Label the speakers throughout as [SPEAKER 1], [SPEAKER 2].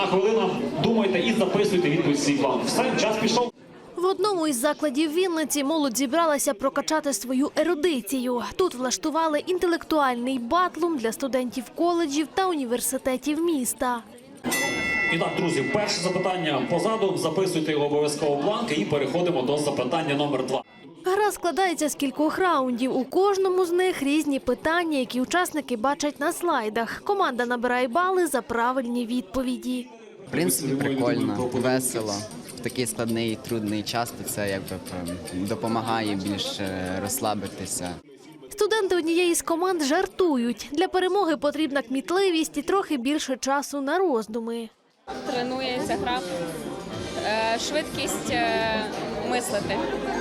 [SPEAKER 1] хвилина. Думайте і записуйте відповідь в свій план. Все, час пішов.
[SPEAKER 2] В одному із закладів Вінниці молодь зібралася прокачати свою ерудицію. Тут влаштували інтелектуальний батлум для студентів коледжів та університетів міста.
[SPEAKER 1] І так, друзі, перше запитання позаду. Записуйте його обов'язково в бланк і переходимо до запитання номер 2.
[SPEAKER 2] Гра складається з кількох раундів. У кожному з них різні питання, які учасники бачать на слайдах. Команда набирає бали за правильні відповіді.
[SPEAKER 3] В принципі, прикольно, весело. В такий складний і трудний час то це якби допомагає більше розслабитися.
[SPEAKER 2] Студенти однієї з команд жартують. Для перемоги потрібна кмітливість і трохи більше часу на роздуми.
[SPEAKER 4] Тренується гра, швидкість мислити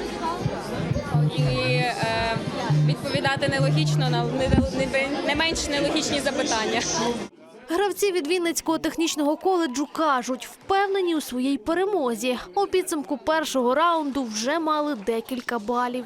[SPEAKER 4] і відповідати нелогічно на не менш нелогічні запитання.
[SPEAKER 2] Гравці від Вінницького технічного коледжу кажуть, впевнені у своїй перемозі. У підсумку першого раунду вже мали декілька балів.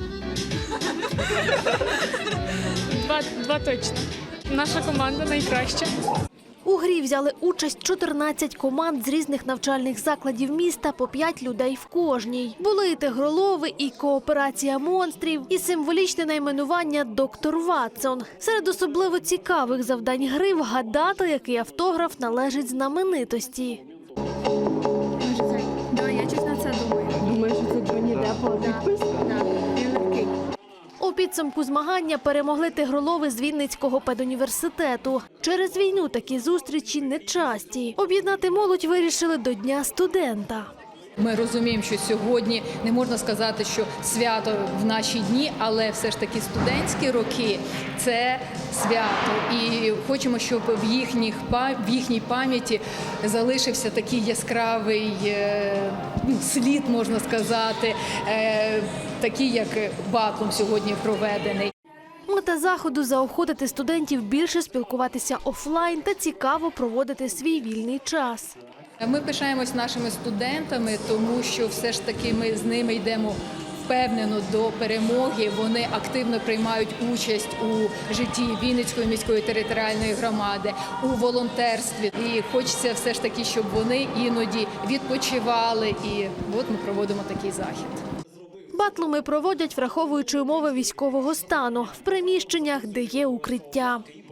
[SPEAKER 5] Два точно. Наша команда найкраща.
[SPEAKER 2] У грі взяли участь 14 команд з різних навчальних закладів міста, по 5 людей в кожній. Були і тигролови, і кооперація монстрів, і символічне найменування «Доктор Ватсон». Серед особливо цікавих завдань гри вгадати, який автограф належить знаменитості.
[SPEAKER 5] Я чесно це думаю. Думаю, що це Джонні Деппа підпис? Він легкий.
[SPEAKER 2] У підсумку змагання перемогли тигролови з Вінницького педуніверситету. Через війну такі зустрічі нечасті. Об'єднати молодь вирішили до Дня студента.
[SPEAKER 6] Ми розуміємо, що сьогодні не можна сказати, що свято в наші дні, але все ж таки студентські роки – це свято. І хочемо, щоб в їхній пам'яті залишився такий яскравий слід, можна сказати, такий, як батлум сьогодні проведений.
[SPEAKER 2] Мета заходу – заохотити студентів більше спілкуватися офлайн та цікаво проводити свій вільний час.
[SPEAKER 6] Ми пишаємось нашими студентами, тому що все ж таки ми з ними йдемо впевнено до перемоги. Вони активно приймають участь у житті Вінницької міської територіальної громади, у волонтерстві. І хочеться все ж таки, щоб вони іноді відпочивали. І от ми проводимо такий захід.
[SPEAKER 2] Батлуми проводять, враховуючи умови військового стану, в приміщеннях, де є укриття.